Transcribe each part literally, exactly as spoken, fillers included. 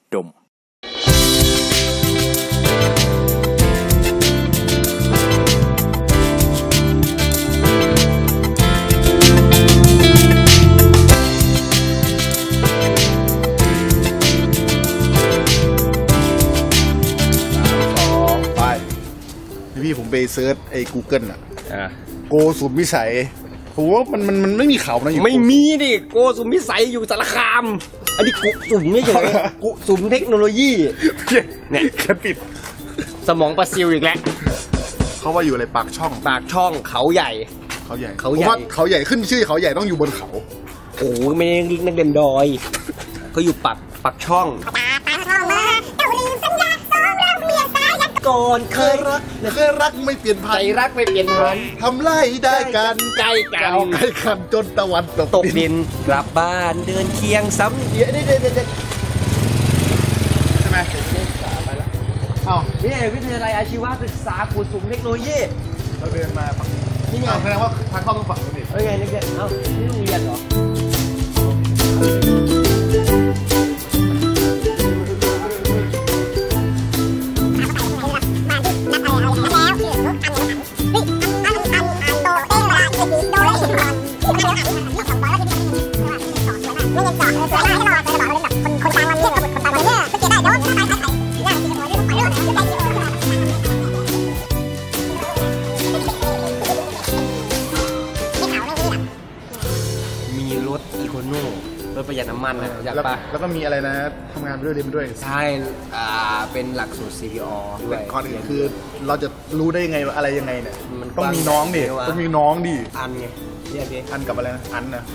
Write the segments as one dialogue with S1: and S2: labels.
S1: ดม
S2: พี่ผมไปเซิร์ชไอ้ Google อ่ะโกสุมวิสัยผมว่ามันมันมันไม่มีเขานะอยู่
S3: ไม่มีดิโกสุมวิสัยอยู่สารคามอันนี้กุสุมไม่ใช่กุสุมเทคโนโลยีเนี่ย
S2: แค่ปิด
S3: สมองปลาซิวอีกแล้ว
S2: เขาว่าอยู่อะไรปากช่อง
S3: ปากช่องเขาใหญ่
S2: เขาใหญ่เขาใหญ่เขาใหญ่ขึ้นชื่อเขาใหญ่ต้องอยู่บนเขา
S3: โอ้ไม่ได้นักเรียนดอยเขาอยู่ปากปากช่องก่อนเคยรัก
S2: เคยรักไม่เปลี่ยนพัน
S3: ใจรักไม่เปลี่ยนพัน
S2: ทำไรได้กัน
S3: ใจกัน
S2: ใกล้กันจนตะวันตก
S3: ตกดินกลับบ้านเดินเคียงซ้ำเดี๋ยวนี่เดี๋ยวเดี๋ยว
S2: ใช่ไหมไปแล้วอ้าว
S3: นี่วิทยาลัยอาชีวศึกษากุสุมเทคโนโลยี
S2: เราเดินมาฝั่งนี่ไงแสดงว่าทางเข้าต้องฝั่งนี้
S3: เอ้ยไงนี่เอ้านี่โรงเรียนเหรอมีรถอีโคโน่รถประหยัดน้ำมันนะอยากปะ
S2: แล้วก็มีอะไรนะทำงานไปด้วยเรียนไปด้วย
S3: ใช่อ่าเป็นหลักสูตร ซี พี อ ด้วย
S2: ก่อนอื่นคือเราจะรู้ได้ยังไงอะไรยังไงเนี่ยมันต้องมีน้องดิต้องมีน้องดิ
S3: อันไงเรียกดิ
S2: อันกับอะไรนะอันนะ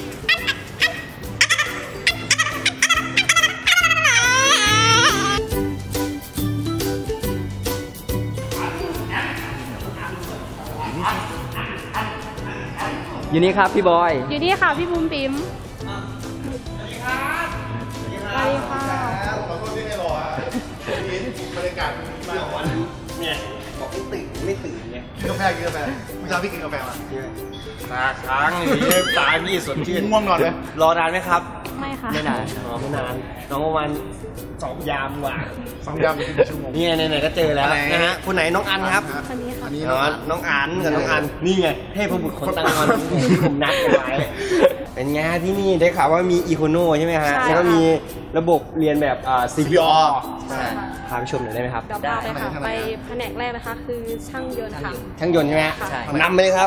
S3: อยู่นี่ครับพี่บอย
S4: อยู่นี่ค่ะพี่บุ้มปิ๋มสวัสดีครับสวัสดีค่ะ
S2: ขอโทษที่ไม่รออ่ะบรรยากาศมาวัน
S3: เนี่ยบอกไม่ตื่นไม่ตื่นเนี่ย
S2: กินกาแฟกินกาแฟเมื่อเช้าพี่กินกาแฟมา
S3: ตาค้างเลยตาพี่สดชื่น
S2: ง่วงนอนเลย
S3: รอนานไหมครับ
S4: ไม่ค่ะ
S3: ไม่นานอ๋อไม่นานน้องประมาณสองยามกว่า
S2: สองยามเป็นชั่วโมง
S3: นี่ไงไหนๆก็เจอแล้วนะฮะคนไหนน้องอันครับ
S4: คนนี้ค่ะ
S3: น้องอันกับน้องอันนี่ไงเทพบุตรคนตั้งวันที่ผมนัดไว้เป็นไงที่นี่ได้ข่าวว่ามีอีโคโน่ใช่ไหมฮะแล้วก็มีระบบเรียนแบบอ่า ซี พี อ พาไปชมหน่อยได้ไหมครับ
S4: ได้ค่ะไปแผนกแรกนะคะคือช่างยนต์ค่ะ
S3: ช่างยนต์ใช่ไหมใช่นำไปเลยครับ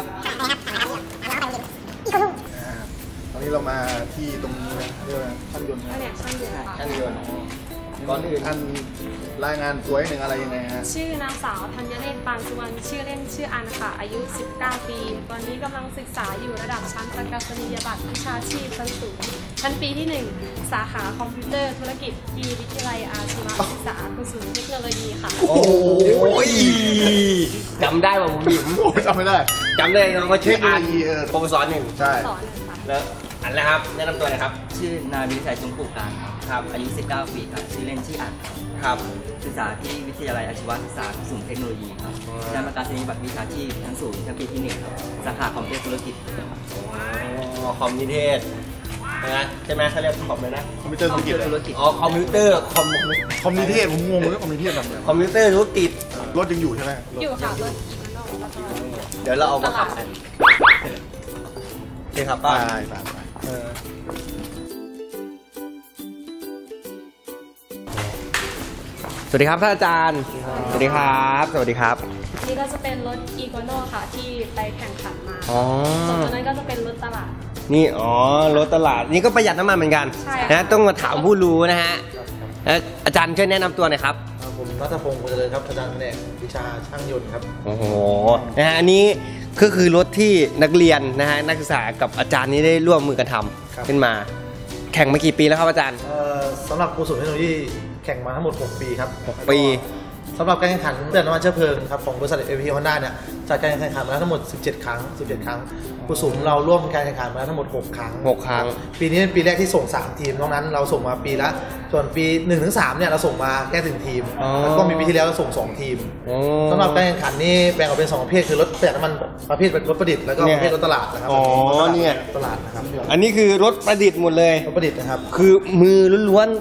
S2: ตอนนี้เรามาที่ตรงนี้นะเรียกว่าช่างยนต์
S4: แผนกช่างยนต์ค่ะ
S3: ช่างยนต์ก่อนอื่น
S2: ท่านรายงานตัวหนึ่งอะไรยังไงฮะ
S4: ชื่อนางสาวธัญเนศปานสุวรรณชื่อเล่นชื่ออันค่ะอายุสิบเก้าปีตอนนี้กำลังศึกษาอยู่ระดับชั้นประกาศนียบัตรวิชาชีพชั้นสูงชั้นปีที่หนึ่งสาขาคอมพิวเตอร์ธุรกิจที่วิทยาลัยอาชีวศึกษากุศลเทคโนโลยีค่ะ
S3: โอ้ยจำได้ป่ะผมบิ๋ม
S2: จำไม่ได้
S3: จำได้น้องก็ชื่ออันโปรสอนหนึ่ง
S2: ใช่
S3: แล้วอันแล้วครับแนะนำตัวหน่อยครับ
S5: ชื่อนายวิชัยจุงปู่การครับอายุสิบเก้าปีครับชื่อเล่นชื่ออัด
S3: ครับ
S5: ศึกษาที่วิทยาลัยอาชีวศึกษาสูงเทคโนโลยีครับได้ประกาศนียบัตรวิชาชีพชั้นสูงชั้นปีที่หนึ่งครับสาขาคอมพิวเตอร์ธุรกิจ
S3: อ๋อคอมพิวเตอร์นะใช่ไหมเขาเรียกคอมเลยนะ
S2: คอมพิวเตอร์ธุรกิจ
S3: อ๋อคอมพิวเตอร์คอม
S2: คอมพิวเตอร์ผมงงเลยคอมพิวเตอร์แบบ
S3: คอมพิวเตอร์ธุรกิจ
S2: รถยังอยู่ใช่ไหม
S4: อยู่ค่ะรถ
S3: เดี๋ยวเราเอามาขับกันโอเคครับป้าสวัสดีครับท่านอาจารย์สวัสดีครับสวัสดีครับ
S4: นี่ก็จะเป็นรถอีโคโน่ค่ะที่ไปแข่งขันมาส่วนตัวนั้นก็จะเป็นรถตลาด
S3: นี่อ๋อรถตลาดนี่ก็ประหยัดน้ำมันเหมือนกันนะต้องมาถามผู้รู้นะฮะอาจารย์ช่วยแนะนำตัวหน่อยครับ
S6: ผมรัตพงศ์ กุลเจริญครับอาจารย์แผนกวิชาช่างยนต์ครับ
S3: โอ้โหนะฮะอันนี้ก็คือรถที่นักเรียนนะฮะนักศึกษากับอาจารย์นี้ได้ร่วมมือกันทำขึ้นมาแข่งมากี่ปีแล้วครับอาจารย์
S6: สำหรับกุศลเทคโนโลยีแข่งมาทั้งหมดหกปีครับ
S3: หกปี
S6: สำหรับการแข่งขันเรื่องน้ำมันเชื้อเพลิงครับของบริษัท เอ พี ฮอนด้า เนี่ยจัดการแข่งขันมาแล้วทั้งหมดสิบเจ็ดครั้งสิบเจ็ดครั้งกุศลเราร่วมการแข่งขันมาแล้วทั้งหมดหกครั้ง
S3: หกครั้ง
S6: ปีนี้เป็นปีแรกที่ส่งสามทีมนอกนั้นเราส่งมาปีละส่วนปี หนึ่งถึงสาม เนี่ยเราส่งมาแค่หนึ่งทีมแล้วก็มีปีที่แล้วเราส่งสองทีมสำหรับการแข่งขันนี่แบ่งออกเป็นสองประเภทคือรถประหยัดน้ำมันประเภทรถประดิษฐ์แล้วก็ประเภทรถตลาดนะครับ
S3: อ๋อเนี่ย
S6: ตลาดนะครับ
S3: อันนี้คือรถประดิษฐ์หมดเลย
S6: รถประดิษฐ์นะครับ
S3: คือมือล้วนๆ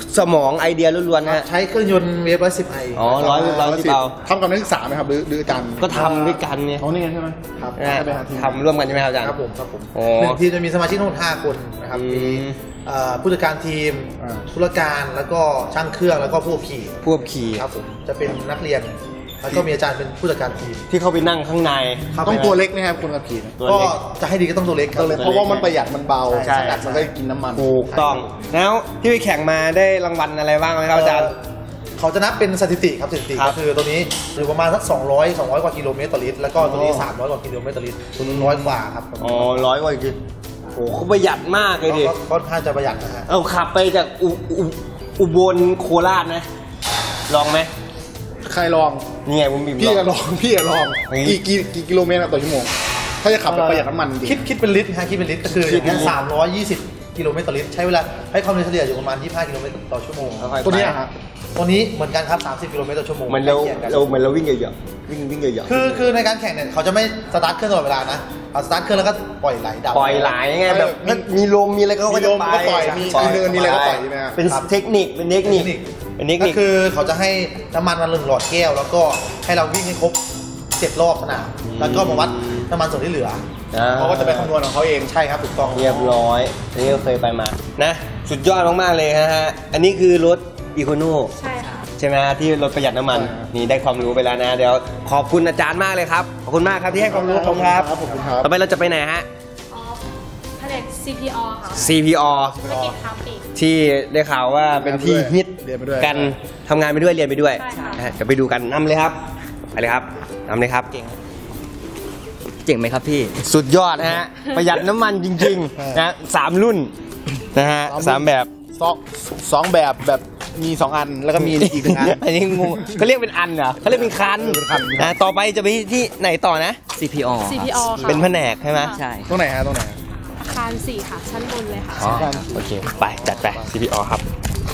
S3: สมองไอเดียล้วนๆฮะ
S6: ใช้เครื่องยนต์เวฟร้อยสิบไอ
S3: อ๋อร้อยร้อยสิบเบา
S2: ทำกับนักศึกษาไหมครับหรือหรืออาจารย์
S3: ก็ทำด้วยกันไง
S2: เขานี่ไงใช่ไหมครับ
S3: นะฮะ
S2: ไปหาทีม
S3: ทำร่วมกันใช่ไหมครับอาจารย์
S6: ครับผมครับผม
S3: โอ้
S6: หนึ่งทีมจะมีสมาชิกทั้งหมดห้าคนนะครับ
S3: อืม
S6: มีเอ่อผู้จัดการทีม
S2: อ่า
S6: ธุรการแล้วก็ช่างเครื่องแล้วก็ผู้ขี่
S3: พวกขี่
S6: ครับผมจะเป็นนักเรียนแล้วก็มีอาจารย์เป็นผู้จัดการทีม
S3: ที่เขาไปนั่งข้างใน
S2: ต้องตัวเล็กนะครับคนขับขี่นะ
S3: ตัว
S6: ก็
S3: เล็ก
S6: จะให้ดีก็ต้องตัวเล็กครับ
S2: ตัวเล็กเพราะว่ามันประหยัดมันเบา
S3: ใช่
S2: ขนาดมันก็กินน้ำมัน
S3: ถูกต้อง แล้วที่ไปแข่งมาได้รางวัลอะไรบ้างไหมครับอาจารย์
S6: เเขาจะนับเป็นสถิติครับสถิติ
S3: ครับ
S6: ก็คือตัวนี้อยู่ประมาณสักสองร้อย สองร้อยกว่ากิโลเมตรต่อลิตรแล้วก็ตัวนี้
S3: โอ้
S6: สามร้อยกว่ากิโลเมตรต่อลิตรตัวนู้นร้อยกว่าครับ
S3: อ๋อร้อยกว่าจริงโอ้เขาประหยัดมากเลยดิ
S6: ก็ก็ค่อนข้างจะประหยัดนะฮะ
S3: เอาขับไปจากอุอุอุบลโคราชนะ ลองไหม
S2: ใครลอง
S3: นี่ไงผมบีบ
S2: พี่
S3: ล
S2: ก็
S3: อง
S2: ลอง พี่ก็ลอง
S3: นี่
S2: กี่กี่กี่กิโลเมตรต่อชั่วโมง ถ้าจะขับแบบประหยัดน้ำมันจริง
S6: คิดคิดเป็นลิตรนะฮะคิดเป็นลิตรก็คือ
S3: คิดเป็นลิตร
S6: สามร้อยยี่สิบกิโลเมตรต่อลิตรใช้เวลาให้ความเร็วเฉลี่ยอยู่ประมาณยี่สิบห้ากิโลเมตรต่อชั่วโมง
S3: ค่อยๆ
S2: ตัวเนี้ย
S3: ไป
S2: ฮะ
S6: ตัวนี้เหมือนกันครับสามสิบกิโลเมตรต่อชั่วโมง
S3: มันเรา
S6: ใกล้คียงกัน
S3: เราเหมือนเราวิ่งเยอะๆวิ่งวิ่งเยอะ
S6: คือคือในการแข่งเนี่ยเขาจะไม่สตาร์ทเครื่องตลอดเวลานะเอาสตาร์ทเครื่องแล้วก็ปล่อยไหลดับ
S3: ๆปล่อยไหลไงแบบมันมีลมมีอะไรก็
S2: มี
S3: จะ
S2: ลม
S3: ไป
S2: ก็ปล่อยมีมีเนินมีอะไรก็ปล่อยใช่ไหมครับ
S3: เป็นเทคนิคเป็นเทคนิคเป็นเทค
S6: ก็
S3: นิค
S6: คือเขาจะให้น้ำมันมาหนึ่งหลอดแก้ว แล้วก็ให้เราวิ่งให้ครบเจ็ดรอบสนามแล้วก็มาวัดน้ำมันส่วนที่เหลือ
S2: เขาก็จะไปคำนวณของเขาเอง
S6: ใช่ครับถูกต้อง
S3: เรียบร้อยอันนี้ก็เคยไปมานะสุดยอดมากๆเลยนะฮะอันนี้คือรถอีโคโน
S4: ใช่ค่ะ
S3: ใช่ไหมฮะที่รถประหยัดน้ำมันนี่ได้ความรู้ไปแล้วนะเดี๋ยวขอบคุณอาจารย์มากเลยครับขอบคุณมากครับที่ให้ความรู้ผมครับ
S2: ขอบคุณครับ
S3: ต่อไปเราจะไปไหนฮะ
S4: อ๋อแผนก ซี พี อ ค่ะ
S3: ซี พี อ
S4: ธุรกิจค้าปลีก
S3: ที่ได้ข่าวว่าเป็นที่ฮิต
S2: เรียนไปด้วย
S3: กันทำงานไปด้วยเรียนไปด้วย
S4: ใช่ค่ะ
S3: นะฮะเดี๋ยวไปดูกันนำเลยครับไปเลยครับนำเลยครับ
S5: เก่งเจ๋งไหมครับพี่
S3: สุดยอดนะฮะประหยัดน้ำมันจริงๆนะสามรุ่นนะฮะสามแบบ
S2: สองสองแบบแบบมีสองอันแล้วก็มีอีกหนึ่งอัน
S3: อันนี้งงเขาเรียกเป็นอันเหรอเขาเรียกเป็นคัน
S2: เป็นคัน
S3: นะต่อไปจะไปที่ไหนต่อนะ
S5: ซี พี อ
S4: ซี พี อ ค่ะ
S3: เป็นแผนกใช่ไหม
S5: ใช่
S2: ตรงไหนฮะตรงไหน
S4: อาคารสี่ค่ะ ชั้นบนเลยค่ะ
S3: อ๋อโอเคไปจัดไป ซี พี อ ครับ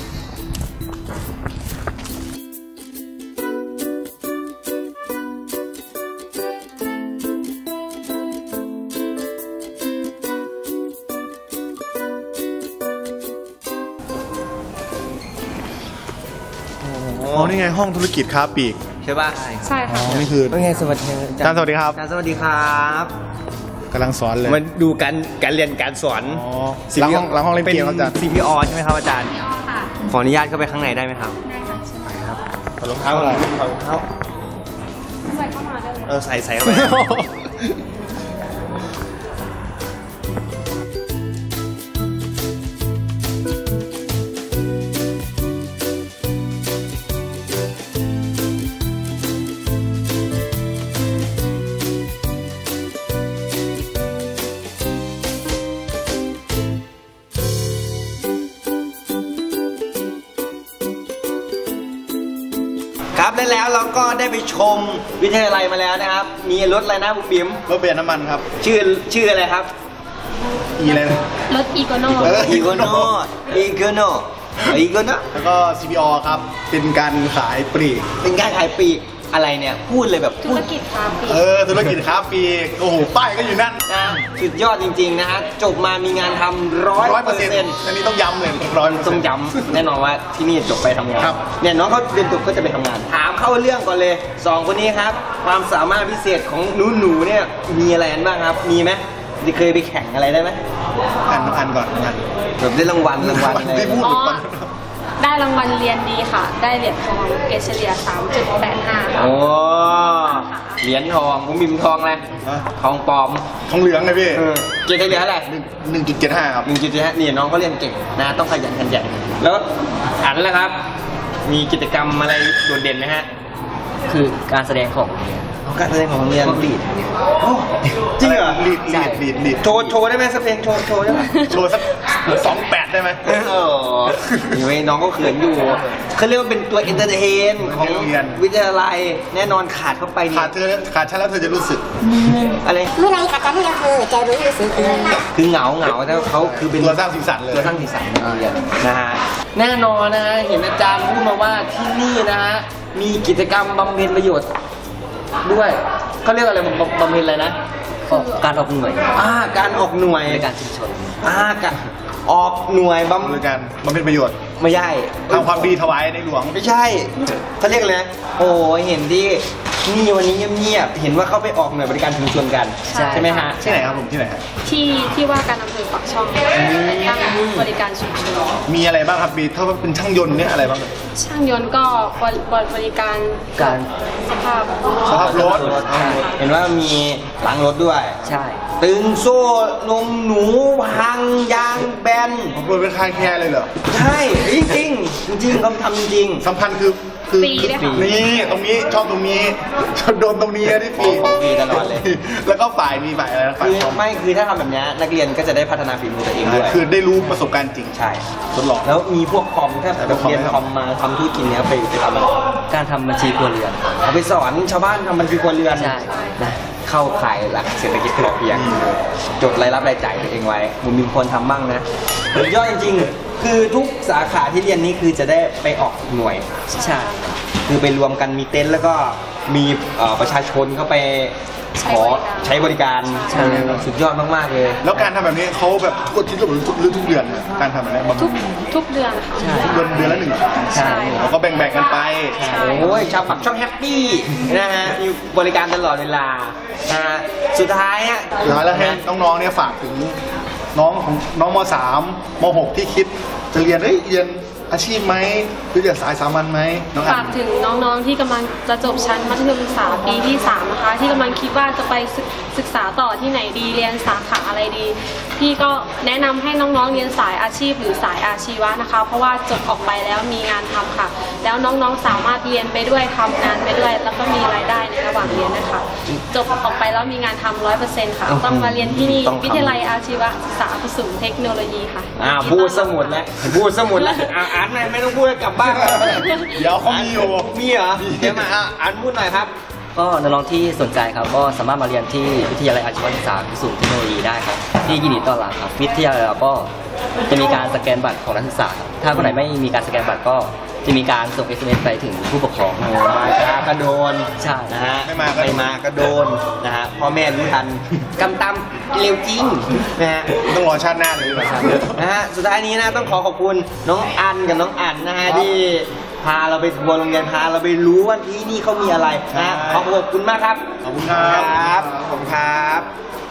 S2: อ๋อนี่ไงห้องธุรกิจค้าปลีก
S3: ใช่ป่ะ
S4: ใช่ค่ะ
S2: นี่คือ
S3: เป็นไงสวัสดี
S2: อาจารย์สวัสดีครับ
S3: อาจารย์สวัสดีครับ
S2: กำลังสอนเลย
S3: มาดูการการเรียนการสอน
S2: อ๋อหลังห้องหลังห้องเล่นเกมครับอาจารย์
S3: ซี พี อ ใช่ไหมครับอาจารย์
S4: ซี พี อ ค่ะ
S3: ขออนุญาตเข้าไปข้างในได้ไหมครับ
S4: ได้ค่ะเชิญ
S2: ถอดรองเท้าอะไร
S3: ขอรองเท้า
S4: ใส่เข้ามาได้เลย
S3: เออใส่ใส่เข้าไป ครับและแล้วเราก็ได้ไปชมวิทยาลัยมาแล้วนะครับ มีรถอะไรนะบุ๋มบิ๋ม
S2: รถประหยัดน้ำมันครับ
S3: ชื่อชื่ออะไรครับ
S2: อีอะไรนะ
S4: รถอีโกโน
S2: เออ
S3: อีโกโนอีโกโนอีโกโน
S2: แล้วก็ ซี พี อ ครับ เป็นการขายปลีก
S3: เป็นการขายปลีกอะไรเนี่ยพูดเลยแบบ
S4: ธุ
S3: พู
S4: ร
S3: ด
S4: กิจค้าปลีก
S2: เออ ธุรกิจค้าปลีก โอ้โห ป้ายก็อยู่นั่น
S3: นะสุดยอดจริงๆนะฮะจบมามีงานทำร้อย
S2: ร้อย
S3: เป
S2: เป
S3: อ
S2: อ
S3: ร์
S2: ร์
S3: เซ็
S2: เซ็
S3: น
S2: น
S3: ต์
S2: ต์อันนี้ต้องย้ำเลยร้อยเปอร์เซ็
S3: ต้อน ง
S2: ต์
S3: ย้ำแน่นอนว่าที่นี่จบไปทำงาน
S2: ครับ
S3: เนี่ยน้องเขาเรียนจบก็จะไปทำงาน ถามเข้าเรื่องก่อนเลยสองคนนี้ครับ ความสามารถพิเศษของหนูหนูๆเนี่ยมีอะไรกันบ้างครับ มีไหมเคยไปแข่งอะไรได้ไหม
S2: อ่านอ่านก่อนอ่าน
S3: แบบได้รางวัลรางวัลอะไร
S2: ไม่พูด
S4: อ๋
S2: ห
S4: อ
S2: รือเปล่า
S4: ได้รางวัลเรียนดีค่ะ ได้เหรียญทองเกรดเฉลี่ย สามจุดแปดห้า ค่ะ
S3: โอ้เหรียญทองผมบิมทองอะไร
S2: ฮะ
S3: ทองปลอม
S2: ทองเหลืองเลยพี่
S3: เออเกรดเฉลี่ยเท่าไหร่
S2: หนึ่งจุดเจ็ดห้าครับ
S3: หนึ่งจุดห้านี่น้องเขาเรียนเก่งนะต้องขยันขันแข็งแล้วอันแล้วครับ มีกิจกรรมอะไรโดดเด่นไหมฮะ
S5: คือการแสดงของ
S3: เอาการแสดงของโรงเรียน
S5: พวกลีด
S3: โอ้จริงเหรอ
S2: ลีดลีดลีดลีด
S3: โชว์โชว์ได้ไหมสักเพลงโชว์โชว์ได้ไหม
S2: โชว์สักสองแปดได้ไหม
S3: เออนี่ไว้น้องก็เขินอยู่เขาเรียกว่าเป็นตัวเอนเตอร์เทนของ
S2: โรงเรียน
S3: วิทยาลัยแน่นอนขาดเข้าไปนี่
S2: ขาดเธอขาดฉันแล้วเธอจะรู้สึก
S3: อะไร
S1: เมื่อไรขาดกันให้เราเธอจะรู้สึกเอง
S3: คือเหงาเหงาแต่เขาคือเป็น
S2: ตัวสร้างสีสันเลย
S3: ตัวสร้างสีสันในโรงเรียนนะฮะแน่นอนนะฮะเห็นอาจารย์พูดมาว่าที่นี่นะฮะมีกิจกรรมบำเพ็ญประโยชน์ด้วยเขาเรียกอะไรบำบำเพ็ญอะไรนะ
S5: การออกหน่วย
S3: อ่าการออกหน่วย
S5: ในการชุมชน
S3: อ่าการออกหน่วยบำ
S2: โดยการมันเป็นประโยชน์
S3: ไม่ใช่
S2: ทำความดีถวายในหลวง
S3: ไม่ใช่เขาเรียกเลยนะโอ้ยเห็นที่นี่วันนี้เงียบๆเห็นว่าเขาไปออกหน่วยบริการชุมชนกัน
S4: ใช่
S3: ใช่ไหมฮะ
S2: ที่ไหนครับผมที่ไหนครับ
S4: ที่ที่ว่าการอำเภอปากช่องตั้งบริการชุมชน
S2: มีอะไรบ้างครับมีถ้าเป็นช่างยนต์เนี่ยอะไรบ้าง
S4: ช่างยนต์ก็บริบริการ
S5: การ
S4: สภาพ
S2: สภาพรถ
S3: เห็นว่ามีล้างรถด้วย
S5: ใช่
S3: ตึงโซ่นมหนูพังยางแบน
S2: ผมเปิดเป็นคายแคร์เลยเหรอ
S3: ใช่จริงๆจริงๆเขาทำจริง
S2: สำคัญคือคือ
S4: ฟรีด้วยค่ะ
S2: นี่ตรงนี้ชอบตรงนี้ชอบโดนตรงนี้ที่ฟรี
S3: ของฟรีตลอดเลย
S2: แล้วก็ฝ่ายมีฝ่ายอะไรนะฝ่าย
S3: คือ
S2: คอม
S3: ไม่คือถ้าทำแบบนี้นักเรียนก็จะได้พัฒนาฝีมือตัวเองด้วย
S2: คือได้รู้ประสบการณ์จริง
S3: ใช่
S2: ทดลอง
S3: แล้วมีพวกคอมถ้าแบบ
S2: พวกคอม
S3: เรียน
S2: ไหมครับ
S3: คอมมาทำธุรกิจเนี้ยไปไปทำอะไร
S5: การทำบัญชีครัวเรือน
S3: เอาไปสอนชาวบ้านทำบัญชีครัวเรือน
S5: ใช่
S3: นะเข้าข่ายหลักเศรษฐกิจพอเพียงจดรายรับรายจ่ายตัวเองไว้มันมีคนทำบ้างนะสุดยอดจริงๆ คือทุกสาขาที่เรียนนี้คือจะได้ไปออกหน่วย
S5: ใช่
S3: คือไปรวมกันมีเต็นท์แล้วก็มีเอ่อประชาชนเข้าไปขอใช้บริการ
S5: ใช่
S3: สุดยอดมากๆเลย
S2: แล้วการทำแบบนี้เขาแบบทุกอาทิตย์หรือทุกหรือทุกเดือนนะการทำแบบนี้บาง
S4: ทุกทุกเดือนค่ะ
S2: ทุกเดือนเดือนละหนึ่งครั้ง
S5: ใช่
S2: แล้วก็แบ่งๆกันไป
S3: โอ้ยชาวปักช่องแฮปปี้นะฮะมีบริการตลอดเวลานะฮะสุดท้ายอ่ะ
S2: สุดท้ายแล้วให้น้องๆเนี่ยฝากถึงน้องของน้องมสามมหกที่คิดจะเรียนเอ้ยเรียนอาชีพไหมหรือเรียนสายสามัญไหมน้องอั
S4: ฝาน กถึงน้องๆที่กำลังจะจบชั้นมัธยมศึกษาปีที่สามนะคะที่กำลังคิดว่าจะไปศึกศึกษาต่อที่ไหนดีเรียนสาขาอะไรดี พี่ก็แนะนำให้น้องๆเรียนสายอาชีพหรือสายอาชีวะนะคะ เพราะว่าจบออกไปแล้วมีงานทำค่ะ แล้วน้องๆสามารถเรียนไปด้วยทำงานไปด้วย แล้วก็มีรายได้ในระหว่างเรียนนะคะจบออกไปแล้วมีงานทำร้อยเปอร์เซ็นต์ค่ะต้องมาเรียนที่นี่
S3: ต้องทำ
S4: วิทยาลัยอาชีวศึกษาผสมเทคโนโลยีค่ะ
S3: อ่าพูดสมุดแล้วพูดสมุดแล้วอ่าอ่านหน่อยไม่ต้องพูดกลับบ้านแล้ว
S2: เดี๋ยวเขามีอยู่
S3: มีเหรอเดี๋ยวมาอ่ะอ่านพูดหน่อยครับ
S5: ก็น้องๆที่สนใจครับก็สามารถมาเรียนที่วิทยาลัยอาชีวศึกษาสูงเทคโนโลยีได้ครับที่ยินดีต้อนรับครับวิทยาลัยเราก็จะมีการสแกนบัตรของนักศึกษาครับถ้าคนไหนไม่มีการสแกนบัตรก็จะมีการส่ง เอส เอ็ม เอส ไปถึงผู้ปกครอง
S3: มาช้าก็โดน
S5: ใช่
S3: นะฮะ
S2: ไม่มาก็
S3: ไม่มาก็โดนนะฮะพ่อแม่รู้ทันกำตำเร็วจริงนะฮะ
S2: ต้องรอชาติหน้าเลยดีกว่าครับ
S3: นะฮะสุดท้ายนี้นะต้องขอขอบคุณน้องอันกับน้องอันนะฮะที่พาเราไปทัวร์โรงเรียนพาเราไปรู้ว่าที่นี่เขามีอะไรนะฮะขอขอบคุณมากครับ
S2: ขอบคุณครับ
S3: ขอบคุณครับ